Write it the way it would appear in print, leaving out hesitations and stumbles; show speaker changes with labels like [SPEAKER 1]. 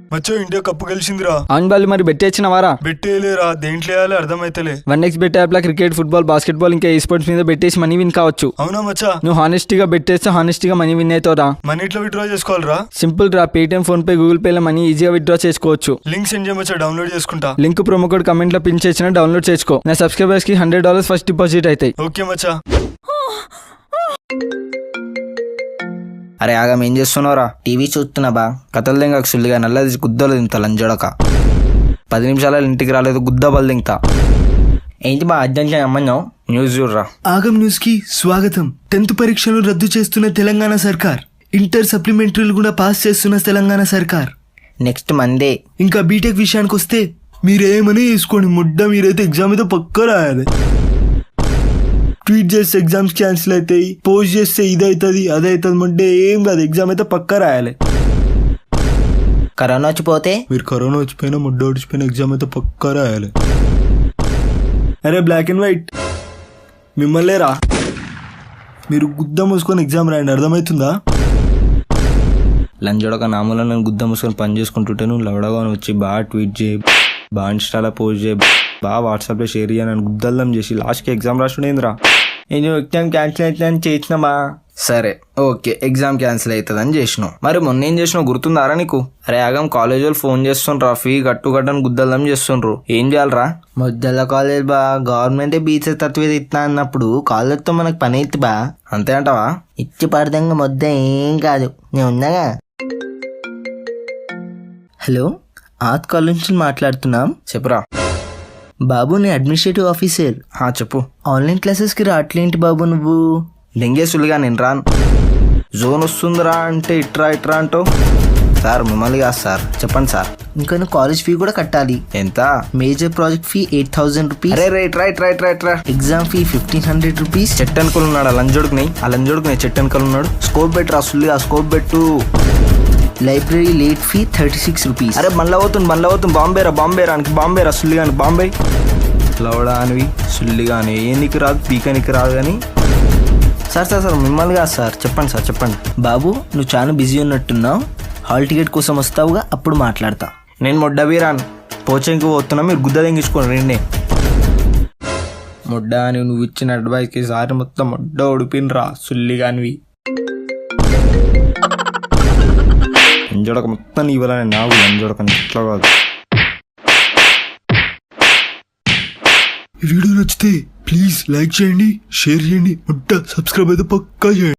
[SPEAKER 1] మచ్చో India cup గెలిచిందిరా.
[SPEAKER 2] అవును బాలు, మరి బెట్టేచ్చినవారా?
[SPEAKER 1] బెట్టేలేరా, దేంట్లో వేయాలి అర్థమైతలే.
[SPEAKER 2] 1x బెట్ యాప్ లా క్రికెట్, ఫుట్బాల్, బాస్కెట్బాల్ ఇంకా ఈ స్పోర్ట్స్ మీద బెట్టేసి మనీ విన్ కావచ్చు.
[SPEAKER 1] అవునా మచ్చా?
[SPEAKER 2] నువ్వు హానెస్టీగా బెట్టేస్తే హానెస్టీగా మనీ విన్ అవుతావురా.
[SPEAKER 1] మనీ ఎట్లా విత్డ్రా చేసుకోవాలరా?
[SPEAKER 2] సింపుల్ రా, Paytm, PhonePe, Google Pay లో మనీ ఈజీగా విత్డ్రా చేసుకోవచ్చు.
[SPEAKER 1] లింక్ సెండ్ చేయమచ్చా, డౌన్లోడ్ చేసుకుంటా.
[SPEAKER 2] లింక్ ప్రోమో కోడ్ కమెంట్ లో పిన్ చేసిన డౌన్లోడ్ చేసుకో. నా సబ్స్క్రైబర్స్ కి $100 ఫస్ట్ డిపాజిట్ అవుతాయి.
[SPEAKER 1] ఓకే మచ్చా.
[SPEAKER 3] అరే ఆగం, ఏం చేస్తున్నావురా? టీవీ చూస్తున్నా బా. కథలు దింగ సుల్లిగా నల్లది గుద్దలు తింటా లంజోడక. 10 నిమిషాలు ఇంటికి రాలేదు, గుద్దబలు తింటా. ఏంటి బా అర్జెంట్ అమ్మన్నావు? న్యూస్ చూడరా.
[SPEAKER 1] ఆగం న్యూస్ కి స్వాగతం. 10th పరీక్షలు రద్దు చేస్తున్న తెలంగాణ సర్కార్. ఇంటర్ సప్లిమెంటరీలు కూడా పాస్ చేస్తున్న తెలంగాణ సర్కార్.
[SPEAKER 3] Next Monday.
[SPEAKER 1] ఇంకా బీటెక్ విషయానికి వస్తే మీరేమని వేసుకోండి, ముడ్డ మీరైతే ఎగ్జామ్ అయితే పక్కా రాయాలి. ట్వీట్ చేస్తే ఎగ్జామ్స్ క్యాన్సిల్ అవుతాయి, పోస్ట్ చేస్తే ఇది అవుతుంది అది అవుతుంది, ముడ్డే ఏం కాదు, ఎగ్జామ్ అయితే పక్కా రాయాలి.
[SPEAKER 3] కరోనా వచ్చిపోతే?
[SPEAKER 1] మీరు కరోనా వచ్చిపోయినా ముడ్డ వచ్చిపోయినా ఎగ్జామ్ అయితే పక్కా రాయాలి. అరే బ్లాక్ అండ్ వైట్ మిమ్మల్నే రా, మీరు గుద్ద మూసుకొని ఎగ్జామ్ రాయండి, అర్థమవుతుందా?
[SPEAKER 3] లంజోడక నామూల నేను గుద్ద మూసుకొని పని చేసుకుంటుంటే నువ్వు లవడగా వచ్చి బాగా ట్వీట్ చేయి, బాగా ఇన్స్టాలో పోస్ట్ చేయి, బాగా వాట్సాప్లో షేర్ చేయి, నన్ను గుద్దల్లం చేసి లాస్ట్కి ఎగ్జామ్ రాసుడేంద్రా. నేను ఎగ్జామ్ క్యాన్సిల్ అవుతుందని చేసినామా? సరే ఓకే, ఎగ్జామ్ క్యాన్సిల్ అవుతుందని చేసినావు. మరి మొన్న ఏం చేసినావు గుర్తుందారా నీకు? అరే ఆగం, కాలేజ్ వాళ్ళు ఫోన్ చేస్తుండ్రా, ఫీ కట్టని గుద్దల్లం చేస్తుండ్రు. ఏం చేయాలరా? మొద్దల కాలేజ్ బా, గవర్నమెంటే బీచ్ తత్వేది ఇస్తా అన్నప్పుడు కాలేజ్తో మనకు పని అయితే బా. అంతే అంటావా? ఇచ్చి పడదంగా మొద్ద ఏం కాదు, నేను ఉన్నాగా. హలో, ఆత్ కాలేజ్ నుంచి మాట్లాడుతున్నాం. చెప్పురా. బాబు నేను అడ్మినిస్ట్రేటివ్ ఆఫీసర్. చెప్పు. ఆన్లైన్ క్లాసెస్కి రావట్లేంటి బాబు నువ్వు? దెంగేసులుగా నేను రాను. జోన్ వస్తుందిరా అంటే ఇట్రా ఇట్రా అంటూ. సార్ మిమ్మల్ని కాదు సార్, చెప్పండి సార్. ఇంకా నువ్వు కాలేజ్ ఫీ కూడా కట్టాలి. ఎంత? Major project fee 8,000 rupees. Right. Exam fee 1,500 rupees. చెట్టనుకలు ఉన్నాడు ఆ లంజోడుకుని చెట్టనుకలు ఉన్నాడు. స్కోప్ బెట్ రా సుల్లిగా, scope bet. Library late fee 36 rupees. అరే మళ్ళీ అవుతుంది బాంబేరా సుల్లిగాని బాంబే. లవడా అనివి సుల్లిగాని ఏ నీకు రాదు, పీకనికి రాదు. కానీ సార్ మిమ్మల్ని కాదు సార్, చెప్పండి సార్ చెప్పండి. బాబు నువ్వు చాలా బిజీ ఉన్నట్టున్నావు, హాల్ టికెట్ కోసం వస్తావుగా, అప్పుడు మాట్లాడతా. నేను మొడ్డబీరాను, పోచంకి పోతున్నా, మీరు గుద్ద తెంగించుకోండి రెండే. మొడ్డ అని నువ్వు ఇచ్చిన అడ్వైస్కి సారి మొత్తం మొడ్డ ఉడిపినరా సుల్లిగానివి. లంజోడక మొత్తం ఇవ్వాలని నాకు లంజోడక ఇట్లా కాదు.
[SPEAKER 1] ఈ వీడియో నచ్చితే ప్లీజ్ లైక్ చేయండి, షేర్ చేయండి, సబ్స్క్రైబ్ అయితే పక్కా చేయండి.